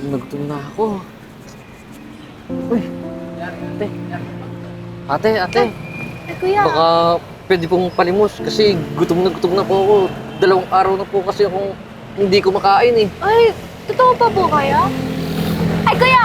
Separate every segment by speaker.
Speaker 1: Gutom na ako. Uy, ate. Ate.
Speaker 2: Ay, kuya.
Speaker 1: Baka pwede pong palimos kasi gutom na po ako. 2 araw na po kasi akong hindi kumakain eh.
Speaker 2: Ay, totoo pa po kayo? Ay, kuya!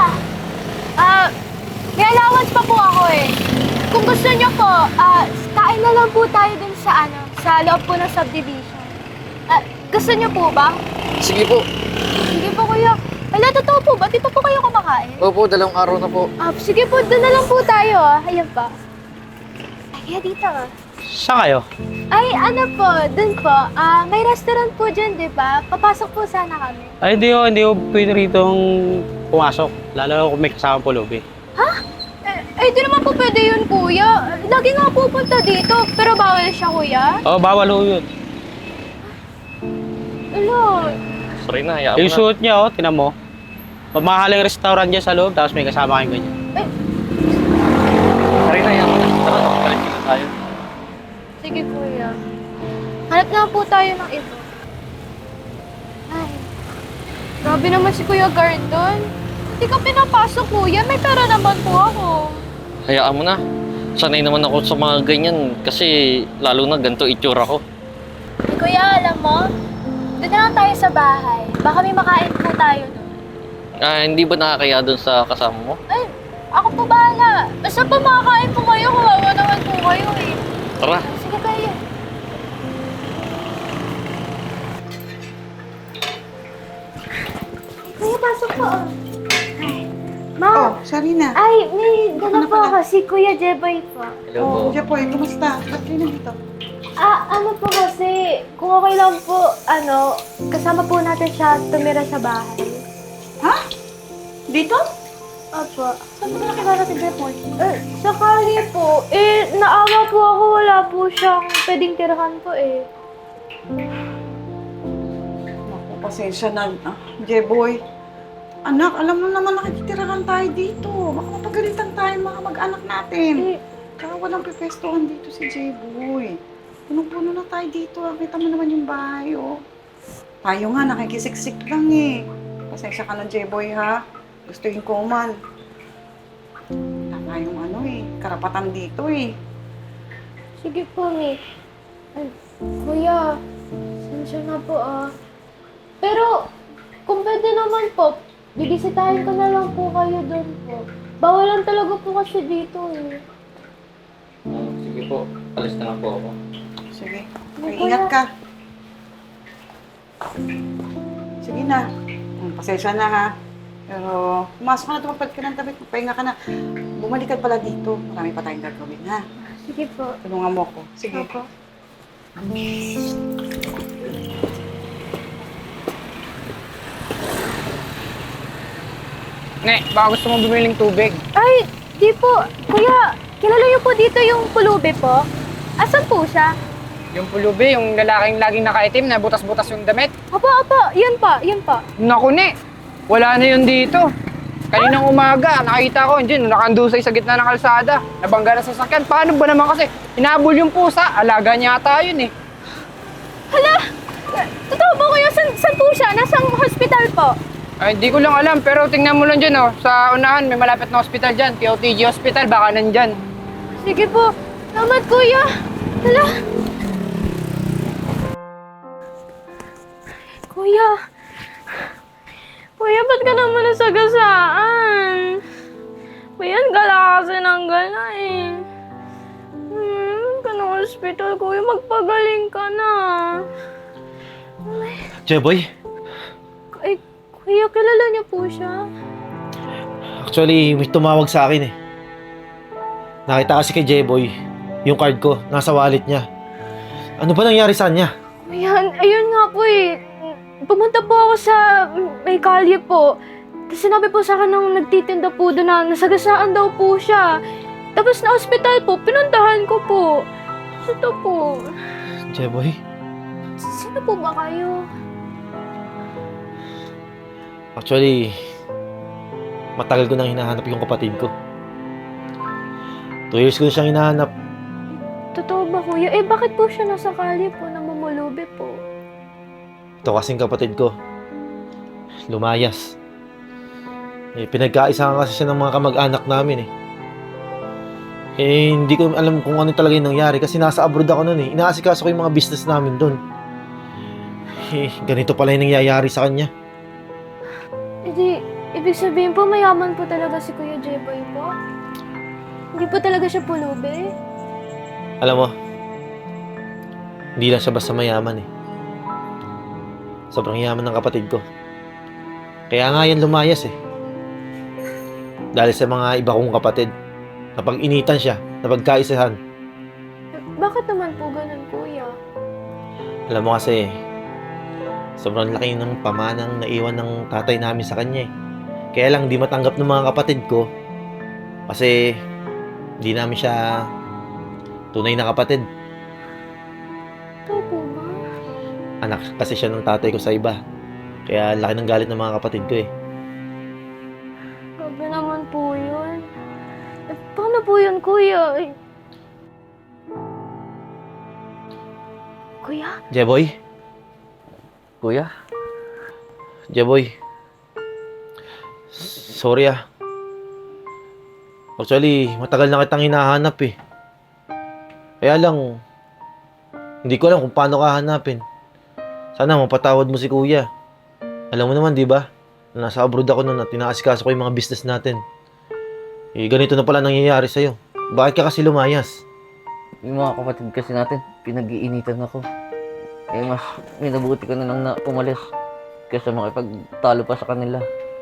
Speaker 2: May allowance pa po ako eh. Kung gusto niyo po, kain na lang po tayo dun sa loob po ng subdivision. Gusto niyo po ba?
Speaker 1: Sige po.
Speaker 2: Sige po, kuya. Wala, totoo po ba? Dito po kayo kumakain?
Speaker 1: Opo, 2 araw na po.
Speaker 2: Sige po, dun na lang po tayo Ayan pa. Ay, kaya dito
Speaker 3: Saan kayo?
Speaker 2: Ay, ano po, dun po. May restaurant po dyan, di ba? Papasok po sana kami.
Speaker 3: Ay, hindi ko pwede ritong pumasok. Lalo kung may kasama pulubi.
Speaker 2: Di naman po pwede yun, kuya. Lagi nga pupunta dito, pero bawal siya, kuya.
Speaker 3: Oo, bawal ho yun.
Speaker 2: Ano?
Speaker 1: Sorry na, hayaan mo
Speaker 3: Yung
Speaker 1: na.
Speaker 3: suot niya, tinan mo. Mamahaling restaurant dyan sa loob, tapos may kasama kayong ganyan.
Speaker 1: Sorry na, hayaan mo na. Tara, balik na tayo.
Speaker 2: Sige, kuya. Hanap na po tayo ng iba. Ay, grabe naman si Kuya Gardon. Hindi ka pinapasok, kuya. May pera naman po ako.
Speaker 1: Hayaan mo na. Sanay naman ako sa mga ganyan kasi lalo na ganito itsura ko.
Speaker 2: Ay, kuya, alam mo, doon na lang tayo sa bahay. Baka may makain po tayo doon.
Speaker 1: Hindi ba nakakaya doon sa kasama mo?
Speaker 2: Ay, ako po bahala. Basta po makakain po kayo, kawawa naman po kayo eh.
Speaker 1: Tara.
Speaker 2: Sige kayo. Kuya, pasok po. Ma,
Speaker 4: Oh, Sarina.
Speaker 2: ay, may dala
Speaker 4: Ano
Speaker 2: po
Speaker 4: pala?
Speaker 2: ako. Si Kuya Jeboy po.
Speaker 1: Hello
Speaker 4: Oh,
Speaker 1: po.
Speaker 4: Japoy, kumusta? Ba't kayo nandito?
Speaker 2: Ano po kasi, kung okay lang po, kasama po natin siya tumira sa bahay.
Speaker 4: Ha? Dito?
Speaker 2: Opo.
Speaker 4: Saan mo nakilala si Japoy?
Speaker 2: Sakali po, naawa po ako, wala po siyang pwedeng tirahan po eh.
Speaker 4: Naku, pasensya na. Jaboy. Anak, alam mo naman nakikitirahan tayo dito. Baka mapagalitan tayo mga mag-anak natin. Kaya walang pipestuhan dito si Jaboy. Punong-puno na tayo dito. Kita mo naman yung bahay, oh. Tayo nga, nakikisiksik lang eh. Pasensya ka na, Jaboy, ha? Gustuhin ko man. Wala tayong karapatan dito eh.
Speaker 2: Sige po, Mi. Kuya, sensya na po Pero, kung pwede naman po, bibisitahin ko na lang po kayo doon po. Bawal lang talaga po kasi dito eh.
Speaker 1: Sige po, alis na lang po ako.
Speaker 4: Sige.
Speaker 2: Ay,
Speaker 4: Ingat
Speaker 2: kuya.
Speaker 4: ka. Sige na. Pasensya na ha. Pero pumasok ka na, tumapad ka ng tabi. Pahinga ka na. Bumalik ka pala dito. Marami pa tayong gagawin ha.
Speaker 2: Sige po.
Speaker 4: Tulungan mo ko. Sige.
Speaker 2: Opo.
Speaker 5: Ne, baka gusto mo bumiling tubig.
Speaker 2: Ay, di po. Kuya, kilala niyo po dito yung pulubi po? Asan po siya?
Speaker 5: Yung pulubi, yung lalaking laging nakaitim na butas-butas yung damit.
Speaker 2: Opo. Yun pa.
Speaker 5: Naku, ne, wala na yun dito. Kaninang umaga, nakita ko, yun, nakandusay sa gitna ng kalsada. Nabangga na sa sasakyan. Paano ba naman kasi? Hinabol yung pusa, alaga niya ata yun eh.
Speaker 2: Hala! Totoo po kuya, saan po siya? Nasang hospital po?
Speaker 5: Ay, hindi ko lang alam, pero tingnan mo lang dyan, oh. Sa unahan, may malapit na hospital dyan. POTG Hospital, baka nandyan.
Speaker 2: Sige po. Salamat kuya. Hala! Kuya, ba't ka naman nasagasaan? Kuya, ang gala kasi ng gala eh. Ka ng hospital, kuya. Magpagaling ka na.
Speaker 6: Jeboy,
Speaker 2: Ay, kuya, kilala niyo po siya?
Speaker 6: actually may tumawag sa akin eh. Nakita kasi kay Jeboy, yung card ko, nasa wallet niya. Ano ba nangyari sa kanya?
Speaker 2: Ayan, ayun nga po eh. Pumunta po ako sa may kalye po. Tapos sinabi po sa akin nung nagtitinda po doon na nasagasaan daw po siya. Tapos na ospital po, pinuntahan ko po. Ito po.
Speaker 6: Jeboy,
Speaker 2: Sino po ba kayo?
Speaker 6: actually, matagal ko nang hinahanap yung kapatid ko. 2 years ko na siyang hinahanap.
Speaker 2: Totoo ba kuya? Bakit po siya nasa kalye po, namumulubi po?
Speaker 6: Ito kasing kapatid ko, lumayas. Pinagkaisahan kasi siya ng mga kamag-anak namin eh. Hindi ko alam kung ano talaga yung nangyari kasi nasa abroad ako noon eh. Inaasikaso ko yung mga business namin doon. Ganito pala yung nangyayari sa kanya.
Speaker 2: Hindi, ibig sabihin po, mayaman po talaga si Kuya Jeboy po? Hindi po talaga siya pulubi?
Speaker 6: Alam mo, hindi lang siya basta mayaman eh. Sobrang yaman ng kapatid ko. Kaya nga yan lumayas eh. Dahil sa mga iba kong kapatid. Napag-initan siya, napagkaisahan.
Speaker 2: Bakit naman po ganun, Kuya?
Speaker 6: Alam mo kasi, sobrang laki ng pamanang naiwan ng tatay namin sa kanya eh. Kaya lang di matanggap ng mga kapatid ko kasi di namin siya tunay na kapatid.
Speaker 2: Ito po ba?
Speaker 6: Anak kasi siya ng tatay ko sa iba. Kaya laki ng galit ng mga kapatid ko eh.
Speaker 2: Grabe naman po yun. Paano po yun, Kuya? Kuya?
Speaker 6: Jeboy?
Speaker 1: Kuya,
Speaker 6: Jeboy. Sorry ah. Actually, matagal na kitang hinahanap eh. Kaya lang, hindi ko alam kung paano ka hanapin. Sana mapatawad mo si kuya. Alam mo naman, di ba? Nasa abroad ako noon at tinaasikaso ko yung mga business natin. Ganito na pala nangyayari sa'yo. Bakit ka kasi lumayas?
Speaker 1: yung mga kapatid kasi natin, pinag-iinitan ako. Mas minabuti ko na lang na umalis kaysa makipagtalo pa sa kanila.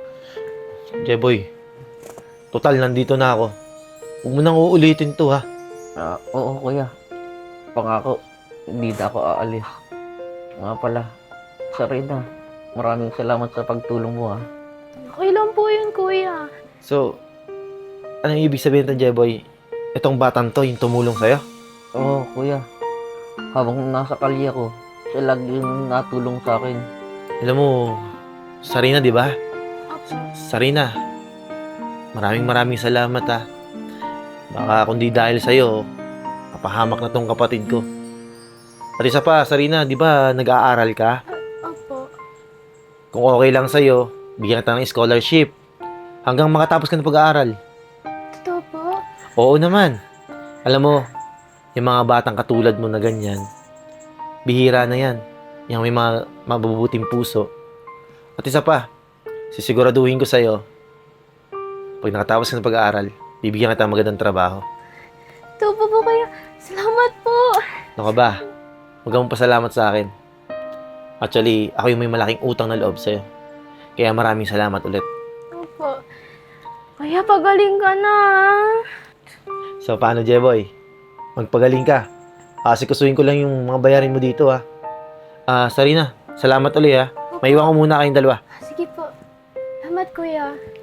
Speaker 6: Jeboy, total nandito na ako. Huwag mo nang uulitin to ha.
Speaker 1: Oo kuya, pangako, hindi na ako aalis. Nga pala, Sarina, maraming salamat sa pagtulong mo ha.
Speaker 2: Okay lang po yun, Kuya.
Speaker 6: So, anong ibig sabihin to, Jeboy? Itong batang to, yung tumulong sa'yo?
Speaker 1: Oo kuya, habang nasa kalye ko, siya lagi yung natulong sa akin.
Speaker 6: Alam mo, Sarina, di ba?
Speaker 2: Apo.
Speaker 6: Sarina, maraming salamat ha. Baka kundi dahil sa'yo, kapahamak na tong kapatid ko. At isa pa, Sarina, di ba nag-aaral ka?
Speaker 2: Apo.
Speaker 6: Kung okay lang sa'yo, bigyan kita ng scholarship. Hanggang makatapos ka ng pag-aaral.
Speaker 2: Totoo po?
Speaker 6: Oo naman. Alam mo, yung mga batang katulad mo na ganyan, bihira na yan. Yung may mga mabubuting puso. At isa pa, sisiguraduhin ko sa'yo, pag nakatapos ka ng pag-aaral, bibigyan kita ng magandang trabaho.
Speaker 2: Totoo po, Kuya. Salamat po.
Speaker 6: Ano ka ba? Huwag kang pasalamat sa akin. Actually, ako yung may malaking utang na loob sa'yo. Kaya maraming salamat ulit.
Speaker 2: Opo. Kuya, pagaling ka na.
Speaker 6: So, paano, Jeboy? Magpagaling ka. Asikasuhin ko lang yung mga bayarin mo dito, ha. Sarina, salamat ulit, ha. Maiwan ko muna kayong dalawa.
Speaker 2: Sige po. Salamat, Kuya.